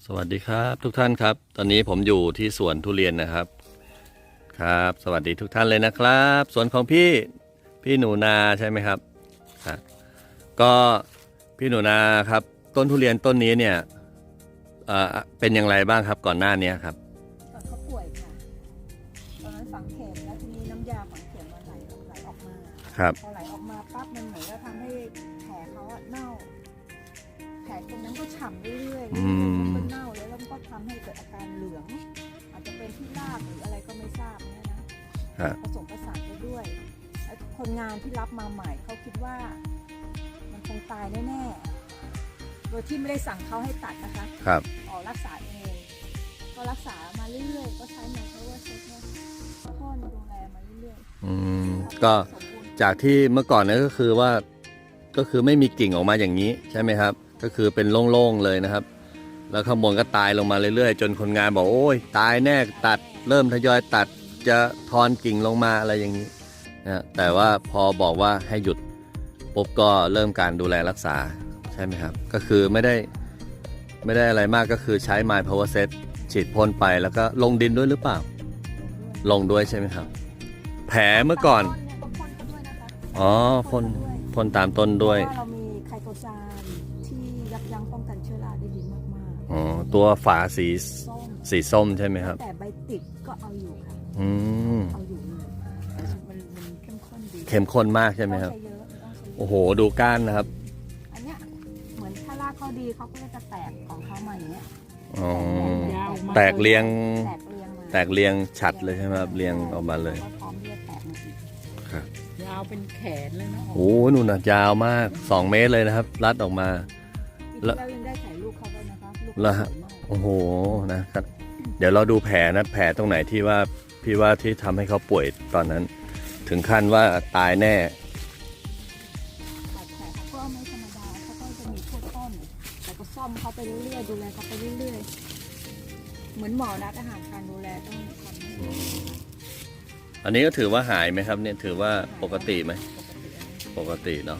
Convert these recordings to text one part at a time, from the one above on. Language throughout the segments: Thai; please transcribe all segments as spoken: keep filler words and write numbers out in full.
สวัสดีครับทุกท่านครับตอนนี้ผมอยู่ที่สวนทุเรียนนะครับครับสวัสดีทุกท่านเลยนะครับสวนของพี่พี่หนูนาใช่ไหมครับครับก็พี่หนูนาครับต้นทุเรียนต้นนี้เนี่ยเอ่อเป็นอย่างไรบ้างครับก่อนหน้านี้ครับตอนเขาป่วยค่ะตอนนั้นฝังเข็มแล้วทีนี้น้ำยาฝังเข็มมันไหลไหลออกมาครับพอไหลออกมาปั๊บมันเหมือนจะทำให้แผลเขาอะเน่าแผลตรงนั้นก็ฉ่ำเรื่อยๆมันก็เน่าแล้วแล้วมันก็ทำให้เกิดอาการเหลืองอาจจะเป็นที่รากหรืออะไรก็ไม่ทราบเนี่ยนะผสมประสานไปด้วยคนงานที่รับมาใหม่เขาคิดว่ามันคงตายแน่ๆโดยที่ไม่ได้สั่งเขาให้ตัดนะคะครับออกรักษาเองก็รักษามาเรื่อยๆก็ใช้มาเพราะว่าเช็คเนี่ยพ่อดูแลมาเรื่อยๆอืมก็จากที่เมื่อก่อนนั้นก็คือว่าก็คือไม่มีกิ่งออกมาอย่างนี้ใช่ไหมครับก็คือเป็นโล่งๆเลยนะครับแล้วข้างบนก็ตายลงมาเรื่อยๆจนคนงานบอกโอ้ยตายแน่ตัดเริ่มทยอยตัดจะทอนกิ่งลงมาอะไรอย่างนี้นะแต่ว่าพอบอกว่าให้หยุดปุ๊บก็เริ่มการดูแลรักษาใช่ไหมครับก็คือไม่ได้ไม่ได้อะไรมากก็คือใช้ My Power Set ฉีดพ่นไปแล้วก็ลงดินด้วยหรือเปล่าลงด้วยใช่ไหมครับแผลเมื่อก่อนอ๋อพ่นพ่นตามต้นด้วยเรามีไคโตซานที่ยับยั้งป้องกันเชื้อราได้ดีมากๆอ๋อตัวฝาสีสีส้มใช่ไหมครับแต่ใบติดก็เอาอยู่ค่ะอืมเอาอยู่มันมันเข้มข้นดีเข้มข้นมากใช่ไหมครับโอ้โหดูก้านนะครับอันเนี้ยเหมือนถ้ารากเขาดีเขาก็จะแตกของเขามาอย่างเงี้ยอ๋อแตกเรียงแตกเรียงฉัดเลยใช่ไหมครับเรียงออกมาเลยพร้อมที่จะแตกมาอีกครับยาวเป็นแขนเลยนะโอ้โหนู่นน่ะยาวมากสองเมตรเลยนะครับรัดออกมาแล้วยังได้ถ่ายรูปเขาด้วยนะคะลูกแล้วโอ้โหนะครับเดี๋ยวเราดูแผลนะแผลตรงไหนที่ว่าพี่ว่าที่ทำให้เขาป่วยตอนนั้นถึงขั้นว่าตายแน่บาดแผลเขาก็ไม่ธรรมดาเขาก็จะมีพวกต้นแต่ก็ซ่อมเขาไปเรื่อยๆดูแลเขาไปเรื่อยๆเหมือนหมอนัดอาหารการดูแลต้องทำอันนี้ก็ถือว่าหายไหมครับเนี่ยถือว่าปกติไหมปกติเนาะ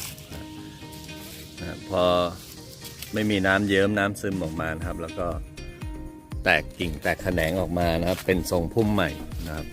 พอไม่มีน้ำเยิ้มน้ำซึมออกมานะครับแล้วก็แตกกิ่งแตกแขนงออกมานะครับเป็นทรงพุ่มใหม่นะครับ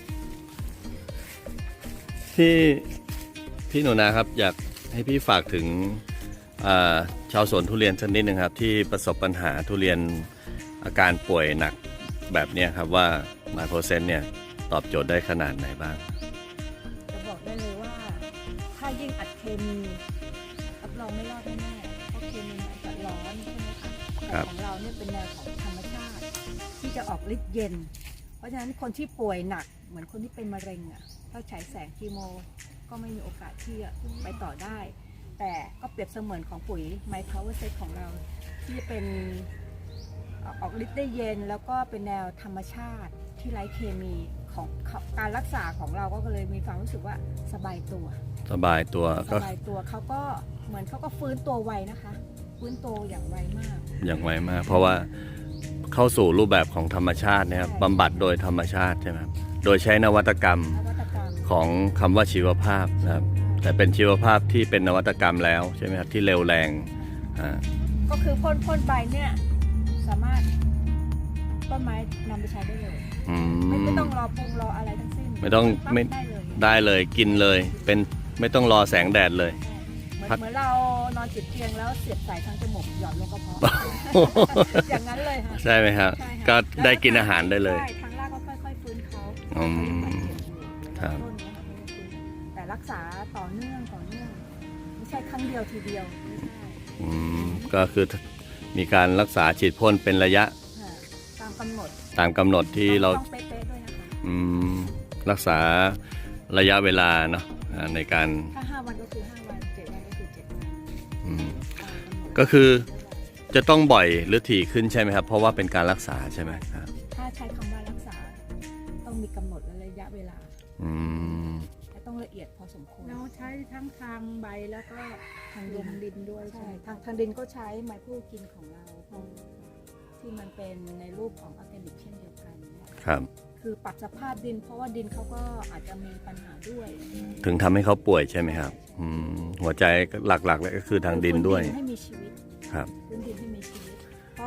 ที่พี่หนูนาครับอยากให้พี่ฝากถึงชาวสวนทุเรียนชนิดหนึ่งครับที่ประสบปัญหาทุเรียนอาการป่วยหนักแบบนี้ครับว่า My Power Set เนี่ยตอบโจทย์ได้ขนาดไหนบ้างจะบอกได้เลยว่าถ้ายิ่งอัดเคมีรับรองไม่รอดแน่ๆเพราะเคมีมันจะร้อนใช่ไหมคะแต่ของเราเนี่ยเป็นแนวของธรรมชาติที่จะออกฤทธิ์เย็นเพราะฉะนั้นคนที่ป่วยหนักเหมือนคนที่เป็นมะเร็งอ่ะถ้าใช้แสงคีโมก็ไม่มีโอกาสที่จะไปต่อได้แต่ก็เปรียบเสมือนของปุ๋ย My Power Set ของเราที่จะเป็นออกฤทธิ์ได้เย็นแล้วก็เป็นแนวธรรมชาติที่ไร้เคมีของการรักษาของเราก็เลยมีความรู้สึกว่าสบายตัวสบายตัวสบายตัวเขาก็เหมือนเขาก็ฟื้นตัวไวนะคะฟื้นตัวอย่างไวมากอย่างไวมากเพราะว่าเข้าสู่รูปแบบของธรรมชาตินะครับบำบัดโดยธรรมชาติใช่ไหมโดยใช้นวัตกรรมของคำว่าชีวภาพนะครับแต่เป็นชีวภาพที่เป็นนวัตกรรมแล้วใช่ไหมครับที่เร็วแรงก็คือพ่นพ่นไปเนี่ยสามารถต้นไม้นำไปใช้ได้เลยไม่ไม่ต้องรอปรุงรออะไรทั้งสิ้นไม่ต้องไม่ได้เลยกินเลยเป็นไม่ต้องรอแสงแดดเลยเหมือนเรานอนติดเตียงแล้วเสียบสายทางจมูกหย่อนลงกระเพาะอย่างนั้นเลยค่ะใช่ไหมครับก็ได้กินอาหารได้เลยใช่ทางรากก็ค่อยๆฟื้นเขาครับแต่รักษาต่อเนื่องต่อเนื่องไม่ใช่ครั้งเดียวทีเดียวอืมก็คือมีการรักษาฉีดพ่นเป็นระยะตามกำหนดตามกำหนดที่เราต้องเป๊ะๆด้วยนะคะอืมรักษาระยะเวลาเนาะในการถ้าห้าวันก็คือห้าวันเจ็ดวันก็คือเจ็ดวันอืมก็คือจะต้องบ่อยหรือถี่ขึ้นใช่ไหมครับเพราะว่าเป็นการรักษาใช่ไหมครับถ้าใช้คำว่ารักษาต้องมีกำหนดและระยะเวลาอืมและต้องละเอียดพอสมควรเราใช้ทั้งทางใบแล้วก็ทางดินดินด้วยใช่ทางทางดินก็ใช้ไม้ผู้กินของเราที่มันเป็นในรูปของออร์แกนิกเช่นเดียวกันครับคือปรับสภาพดินเพราะว่าดินเขาก็อาจจะมีปัญหาด้วยถึงทำให้เขาป่วยใช่ไหมครับหัวใจหลักๆเลยก็คือทางดินด้วยให้มีชีวิตครับพื้นดินให้มีชีวิตเพราะ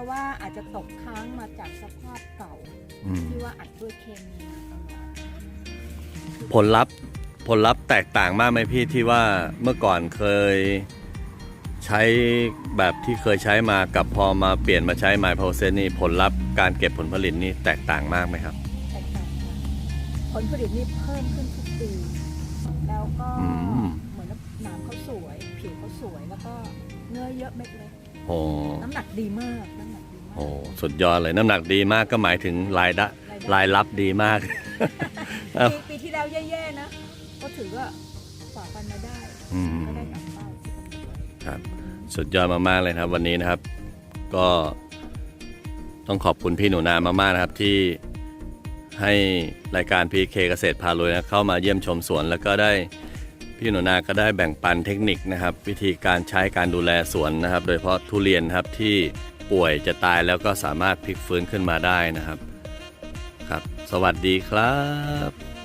ราะว่าอาจจะตกค้างมาจากสภาพเก่าอืมที่ว่าอัดด้วยเคมีมาตลอดผลลัพธ์ผลลัพธ์แตกต่างมากไหมพี่ที่ว่าเมื่อก่อนเคยใช้แบบที่เคยใช้มากับพอมาเปลี่ยนมาใช้ My Process นี่ผลลัพธ์การเก็บผลผลิตนี่แตกต่างมากไหมครับแตกต่างกันผลผลิตนี่เพิ่มขึ้นทุกปี แล้วก็อืมเหมือนหนามเขาสวย ผิวเขาสวย แล้วก็เนื้อเยอะเม็ดเล็กโอ้น้ำหนักดีมาก น้ำหนักดีมากโหสุดยอดเลยน้ำหนักดีมากก็หมายถึงรายได้รายรับดีมาก เอ้าปีปีที่แล้วแย่ๆนะ ก็ถือว่าฝ่าฟันมาได้อืมก็ได้ตามเป้าที่กำหนดไว้ครับสุดยอดมากๆเลยครับวันนี้นะครับ ก็ต้องขอบคุณพี่หนูนามากๆนะครับที่ให้รายการ พี เค เกษตรพารวยนะเข้ามาเยี่ยมชมสวนแล้วก็ได้พี่หนูนาก็ได้แบ่งปันเทคนิคนะครับ วิธีการใช้การดูแลสวนนะครับ โดยเฉพาะทุเรียนนะครับที่ป่วยจะตายแล้วก็สามารถพลิกฟื้นขึ้นมาได้นะครับครับ สวัสดีครับ